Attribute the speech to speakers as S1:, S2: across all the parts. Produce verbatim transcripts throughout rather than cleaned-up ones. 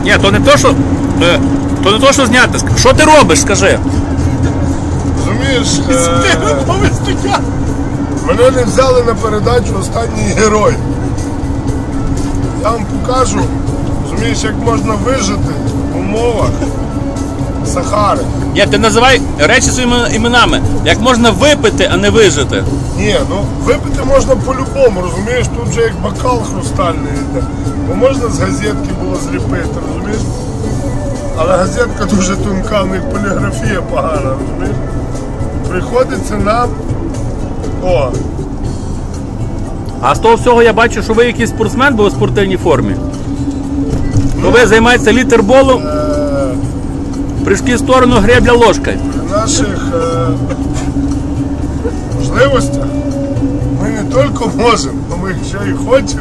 S1: Ні, то не то, що. е, То не то, що зняти. Що ти робиш, скажи?
S2: Розумієш, е... мене не взяли на передачу «Останній герой». Я вам покажу, розумієш, як можна вижити в умовах Сахари.
S1: Ні, ти називай речі своїми іменами. Як можна випити, а не вижити.
S2: Ні, ну випити можна по-любому, розумієш, тут вже як бокал хрустальний йде. Бо можна з газетки було зліпити, розумієш? Але газетка дуже тонка, в них поліграфія погана, розумієш? Приходиться нам... О!
S1: А з того всього я бачу, що ви якийсь спортсмен, бо ви в спортивній формі. Ну, ви займаєтеся літерболом,
S2: Е...
S1: прыжки в сторону, гребля ложкою.
S2: При наших е... можливостях ми не тільки можемо, але ми ще й хочемо.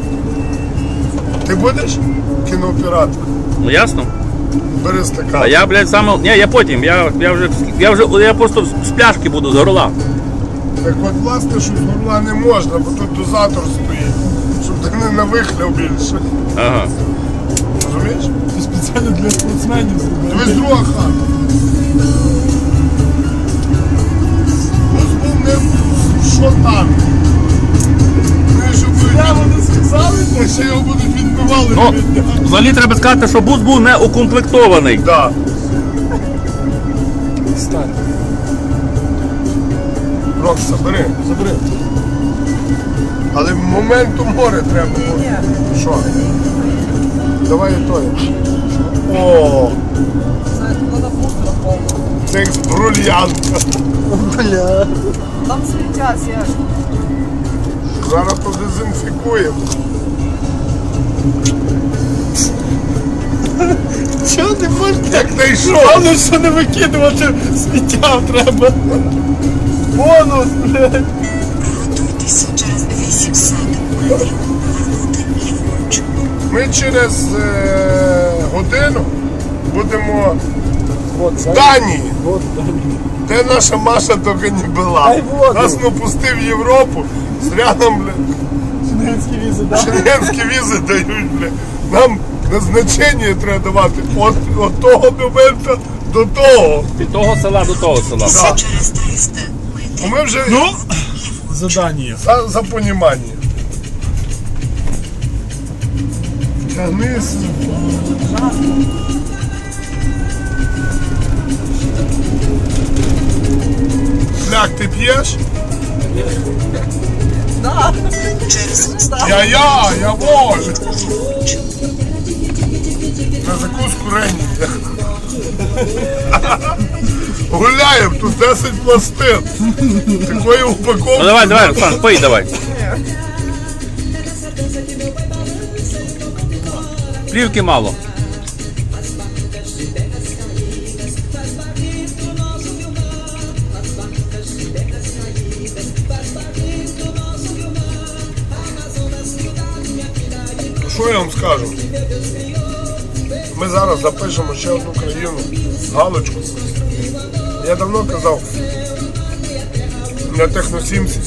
S2: Ти будеш кінооператор?
S1: Ну ясно.
S2: Бери стакан.
S1: А я, блядь, саме... Ні, я потім, я, я вже, я вже, я просто з пляшки буду, з горла.
S2: Так от, власне, що з горла не можна, бо тут дозатор стоїть, щоб ти не навихляв більше.
S1: Ага.
S2: Розумієш?
S3: Це спеціально для спортсменів зробили.
S2: Дивись, друга хата. Ось був не що там. Вони ж
S3: Я
S2: будуть,
S3: вони сказали,
S2: вони ще його будуть відбивали.
S1: Ну, взагалі треба сказати, що бус був не укомплектований.
S2: Да.
S3: Стань,
S2: Рокса, бери.
S3: забери.
S2: Але моменту море треба було. Що? Давай і той. О, це як з брильянта.
S3: Бля.
S4: Там сміття, Серж.
S2: Зараз подезінфікуємо.
S3: Чого не можна?
S2: Як знайшов?
S3: Головне, що не викидувати сміття треба. Бонус, блядь.
S5: Готуйтеся через вісімсот метрів. Повернути ліворуч.
S2: Ми через е, годину будемо
S3: Вот,
S2: в Данії,
S3: Вот, Дані.
S2: де наша Маша тільки не була.
S3: Дай воду.
S2: Нас ну пустив в Європу, з рядом, бля,
S3: Шенгенські візи, да?
S2: шенгенські візи дають, бля. Нам назначення треба давати от, от того моменту до того.
S1: Від того села до того села.
S2: Да.
S5: Через триста метрів.
S2: Бо ми вже
S3: Ну, задання.
S2: за, за понімання. Тягнись. Бляк, ти п'єш?
S4: Да.
S5: Через
S2: Я-я, я воль. На закуску рені. Гуляємо, тут десять пластин. Такої упаковки.
S1: Ну давай, давай, Руслан, пий давай. Плівки мало.
S2: Що я вам скажу? Ми зараз запишемо ще одну країну, галочку. Я давно казав на Техносімці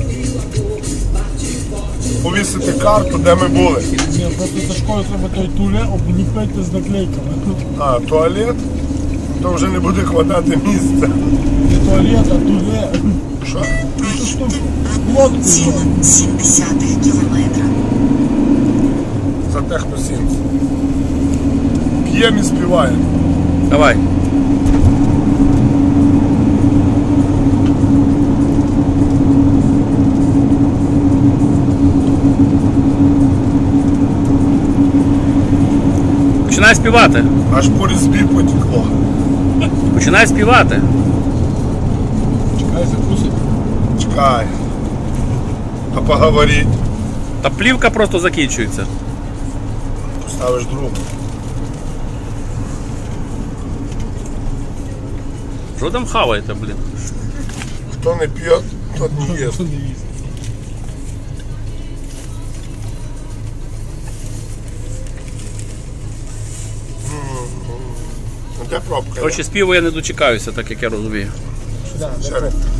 S2: повісити карту, де ми були.
S3: Ні, просто Сашкою треба той туле обліпити з наклейками.
S2: А, туалет, то вже не буде хватати місця.
S3: Не туалет, а туле.
S2: Що?
S3: Цю штуку. Лодку.
S5: ціла сімдесят кілометра.
S2: За Техносімці. П'ємо і співаємо.
S1: Давай. Починай співати.
S2: Аж по різьбі потекло.
S1: Починай співати.
S3: Чекай, закусить.
S2: Чекай. А поговорить.
S1: Та плівка просто закінчується.
S2: Поставиш другу.
S1: Що там хаваєте, блін?
S2: Хто не п'є, тот не їсть.
S3: Хто не їсть?
S2: Ну, де пробка?
S1: Коротше, співу я не дочекаюся, так як я розумію.
S3: Да,
S2: Ще
S3: да,
S2: раз.